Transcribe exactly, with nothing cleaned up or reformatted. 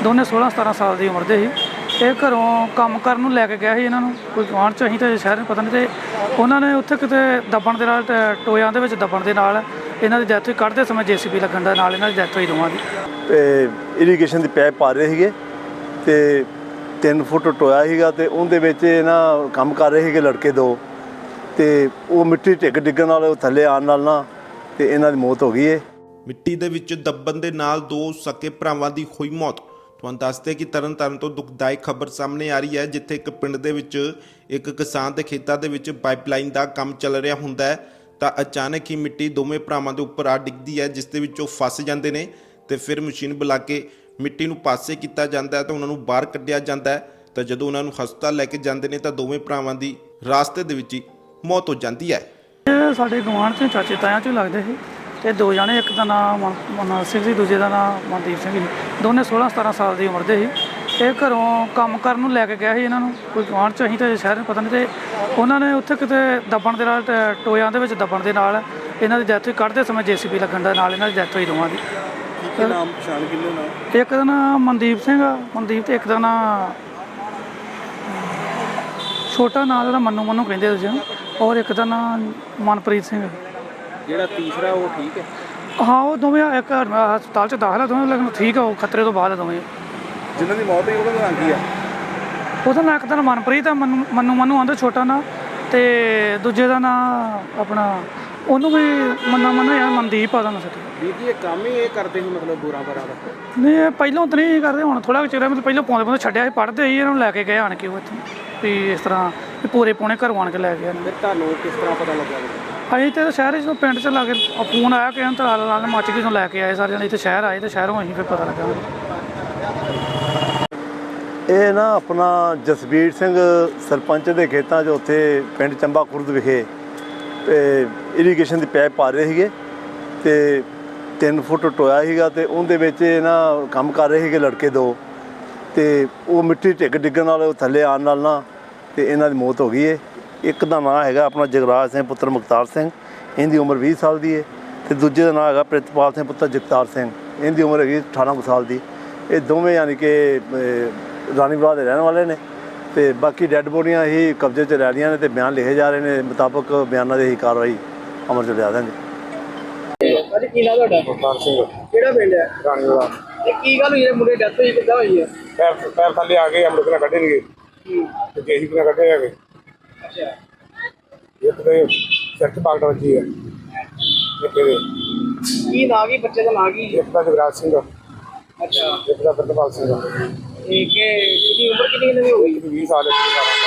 ਦੋਨੇ सोलह सतारह साल की उम्र के ही। ये घरों काम करन नूं लैके गया ही, इन्हां नूं कोई गुआंढ च असीं तो शहर पता नहीं, तो उन्होंने उत्थे किते दबण दे नाल टोयां दे विच दबण दे नाल इन्हां दी डैथ होई। कढ़दे समय जे सी बी लगण दे नाल इन्हां दी डैथ होई दोवां दी। ते इरीगेशन दी पैप पा रहे सीगे ते तीन फुट टोया सीगा ते उहदे विच इन्हां काम कर रहे सीगे लड़के दो, ते वो मिट्टी ढिग डिग्गण नाल थल्ले आउण नाल ना ते इन्हां दी मौत हो गई है। मिट्टी दे विच दबण दे नाल दो सके भरावां दी होई मौत। तुहानूं दसदे कि तरन ताਰਨ ਤੋਂ ਦੁਖਦਾਇਕ ਖਬਰ ਸਾਹਮਣੇ ਆ ਰਹੀ ਹੈ, ਜਿੱਥੇ ਇੱਕ ਪਿੰਡ ਦੇ ਵਿੱਚ ਇੱਕ ਕਿਸਾਨ ਦੇ ਖੇਤਾਂ ਦੇ ਵਿੱਚ ਪਾਈਪਲਾਈਨ ਦਾ ਕੰਮ ਚੱਲ ਰਿਹਾ ਹੁੰਦਾ ਹੈ ਤਾਂ ਅਚਾਨਕ ਹੀ ਮਿੱਟੀ ਦੋਵੇਂ ਭਰਾਵਾਂ ਦੇ ਉੱਪਰ ਆ ਡਿੱਗਦੀ ਹੈ, ਜਿਸ ਦੇ ਵਿੱਚ ਉਹ ਫਸ ਜਾਂਦੇ ਨੇ ਤੇ ਫਿਰ ਮਸ਼ੀਨ ਬੁਲਾ ਕੇ ਮਿੱਟੀ ਨੂੰ ਪਾਸੇ ਕੀਤਾ ਜਾਂਦਾ ਹੈ ਤਾਂ ਉਹਨਾਂ ਨੂੰ ਬਾਹਰ ਕੱਢਿਆ ਜਾਂਦਾ ਹੈ। ਤਾਂ ਜਦੋਂ ਉਹਨਾਂ ਨੂੰ ਹਸਪਤਾਲ ਲੈ ਕੇ ਜਾਂਦੇ ਨੇ ਤਾਂ ਦੋਵੇਂ ਭਰਾਵਾਂ ਦੀ ਰਾਸਤੇ ਦੇ ਵਿੱਚ ਹੀ ਮੌਤ ਹੋ ਜਾਂਦੀ ਹੈ। ਇਹ ਸਾਡੇ ਗੁਆਂਢ 'ਚ ਚਾਚੇ ਤਾਇਆਂ 'ਚੋਂ ਲੱਗਦੇ ਸੀ ਤੇ ਦੋ ਜਣੇ, ਇੱਕ ਦਾ ਨਾਮ ਮਨੋਜ ਸਿੰਘ ਸੀ, ਦੂਜੇ ਦਾ ਨਾਮ ਮਨਦੀਪ ਸਿੰਘ ਸੀ। ਦੋਨੇ सोलह सतारह साल की उम्र के ही। ये घरों काम करन नूं लैके गया ही, इन्हां नूं कोई गुआंढ च असीं तो शहर पता नहीं, तो उन्होंने उत्थे किते दबण दे नाल टोयां दे विच दबण दे नाल इन्हां दी डैथ होई। कढ़दे समय जे सी बी लगण दे नाल इन्हां दी डैथ होई दोवां दी। नाम पछाण किन्ने नाम? एक का नाम मनदीप सिंह आ, मनदीप, ते एक का नाम छोटा नाम जिहड़ा मन्नू मन्नू कहिंदे दूजे नूं, और एक का नाम मनप्रीत सिंह। ਜਿਹੜਾ ਤੀਸਰਾ ਉਹ ਠੀਕ ਹੈ? हाँ वो दोवें एक हस्पताल च दाखल है दोवें, लेकिन ठीक है, वो खतरे तो बाद है दोवें। ਜਿਨ੍ਹਾਂ ਦੀ ਮੌਤ ਹੋਈ ਉਹਦਾ ਨਾਮ ਕੀ ਆ? ਉਹਦਾ ਨਾਂ ਇੱਕ ਦਾ ਮਨਪ੍ਰੀਤ ਆ, ਮਨੂੰ ਮਨੂੰ ਮਨੂੰ ਆਂਦੇ ਛੋਟਾ ਨਾਂ, ਤੇ ਦੂਜੇ ਦਾ ਨਾਂ ਆਪਣਾ ਉਹਨੂੰ ਵੀ ਮੰਨਾ ਮੰਨਾ ਯਾਰ ਮਨਦੀਪ ਆ ਉਹਦਾ ਨਾਂ ਸੱਚ। ਵੀਰ ਜੀ ਇਹ ਕੰਮ ਹੀ ਇਹ ਕਰਦੇ ਸੀ ਮਤਲਬ ਬੁਰਾ ਬਰਾ ਦਾ? ਨਹੀਂ ਇਹ ਪਹਿਲਾਂ ਤਾਂ ਨਹੀਂ ਕਰਦੇ, ਹੁਣ ਥੋੜ੍ਹਾ ਕੁ ਚਿਰ ਮਤਲਬ ਪਹਿਲਾਂ ਪਾਉਂਦੇ ਪਾਉਂਦੇ ਛੱਡਿਆ ਸੀ, ਪੜ੍ਹਦੇ ਸੀ, ਇਹਨਾਂ ਨੂੰ ਲੈ ਕੇ ਗਏ ਆਣ ਕੇ ਉਹ ਇੱਥੇ ਵੀ ਇਸ ਤਰ੍ਹਾਂ ਵੀ ਪੂਰੇ ਪੌਣੇ ਘਰੋਂ ਆਣ ਕੇ ਲੈ ਗਏ। ਫਿਰ ਤੁਹਾਨੂੰ ਕਿਸ ਤਰ੍ਹਾਂ ਪਤਾ ਲੱਗਾ? ਅਸੀਂ ਤਾਂ ਸ਼ਹਿਰ 'ਚ ਪਿੰਡ 'ਚ ਲਾ ਕੇ ਫੋਨ ਆਇਆ ਕਿ ਤਾਂ ਨਾਲ ਮੱਚ ਕੇ ਲੈ ਕੇ ਆਏ ਸਾਰੇ ਜਣੇ ਇੱਥੇ ਸ਼ਹਿਰ ਆਏ, ਤੇ ਸ਼ਹਿਰੋਂ ਅਸੀਂ ਫਿਰ ਪਤਾ ਲੱਗਾ। ਇਹ ਨਾ ਆਪਣਾ ਜਸਬੀਰ ਸਿੰਘ ਸਰਪੰਚ ਦੇ ਖੇਤਾਂ 'ਚ ਉੱਥੇ ਪਿੰਡ ਚੰਬਾ ਖੁਰਦ ਵਿਖੇ ਇਰੀਗੇਸ਼ਨ ਦੀ ਪੈਪ ਪਾ ਰਹੇ ਸੀਗੇ ਤੇ ਤਿੰਨ ਫੁੱਟ ਟੋਇਆ ਸੀਗਾ ਤੇ ਉਹਦੇ ਵਿੱਚ ਇਹਨਾਂ ਕੰਮ ਕਰ ਰਹੇ ਸੀਗੇ ਲੜਕੇ ਦੋ, ਤੇ ਉਹ ਮਿੱਟੀ ਢਿੱਗ ਡਿੱਗਣ ਨਾਲ ਥੱਲੇ ਆਉਣ ਨਾਲ ਨਾ ਤੇ ਇਹਨਾਂ ਦੀ ਮੌਤ ਹੋ ਗਈ ਹੈ। ਇੱਕ ਦਾ ਨਾਂ ਹੈਗਾ ਆਪਣਾ ਜਗਰਾਜ ਸਿੰਘ ਪੁੱਤਰ ਮੁਖਤਾਰ ਸਿੰਘ, ਇਹਦੀ ਉਮਰ ਵੀਹ ਸਾਲ ਦੀ ਹੈ, ਤੇ ਦੂਜੇ ਦਾ ਨਾਂ ਹੈਗਾ ਪ੍ਰਿਤਪਾਲ ਸਿੰਘ ਪੁੱਤਰ ਜਗਤਾਰ ਸਿੰਘ, ਇਹਦੀ ਉਮਰ ਹੈਗੀ ਅਠਾਰਾਂ ਕੁ ਸਾਲ ਦੀ। ਇਹ ਦੋਵੇਂ ਯਾਨੀ ਕਿ ਰਾਣੀਵਾਲਾ ਦੇ ਰਹਿਣ ਵਾਲੇ ਨੇ, ਤੇ ਬਾਕੀ ਡੈੱਡ ਬੋਡੀਆਂ ਹੀ ਕਬਜ਼ੇ 'ਚ ਲੈ ਰਹੀਆਂ ਨੇ ਤੇ ਬਿਆਨ ਲਿਖੇ ਜਾ ਰਹੇ ਨੇ, ਮੁਤਾਬਕ ਬਿਆਨਾਂ ਦੀ ਹੀ ਕਾਰਵਾਈ ਅਮਲ 'ਚ ਲਿਆ ਦਾਂਗੇ। ਅੱਜ ਕੀ ਨਾਂ ਤੁਹਾਡਾ? ਮੁਖਤਾਰ ਸਿੰਘ। ਕਿਹੜਾ ਪਿੰਡ ਹੈ? ਰਾਣੀਵਾਲਾ। ਇਹ ਕੀ ਗੱਲ ਹੋਈ ਹੈ ਮੁੰਡੇ ਡੈਥ ਹੋਈ, ਕਿੱਦਾਂ ਹੋਈ ਹੈ? ਪੈਰ ਪੈਰ ਥੱਲੇ ਆ ਗਏ, ਅਮਰਤ ਨਾਲ ਕੱਢੇ ਨਹੀਂ ਗਏ ਤੇ ਜੇਸੀ ਨਾਲ ਕੱਢੇ ਹੈਗੇ। ਅੱਛਾ, ਇੱਕ ਤੇ ਸਿਰ 'ਚ ਪਾਗਟ ਵੱਜੀ ਹੈ, ਇੱਕ ਇਹਦੇ ਕੀ ਨਾਂ ਕੀ ਬੱਚੇ ਦਾ ਨਾਂ ਕੀ? ਇੱਕ ਦਾ ਜਗਰਾਜ ਸਿੰਘ, ਅੱਛਾ, ਇੱਕ ਦਾ ਪ੍ਰਿਤਪਾਲ ਸਿੰਘ। ਇਹ ਕਿ ਕਿੰਨੀ ਉਮਰ ਕਿੰਨੀ ਇਹਨਾਂ ਦੀ ਹੋ ਗਈ? ਵੀਹ ਸਾਲ ਇੱਕ ਸਾਲ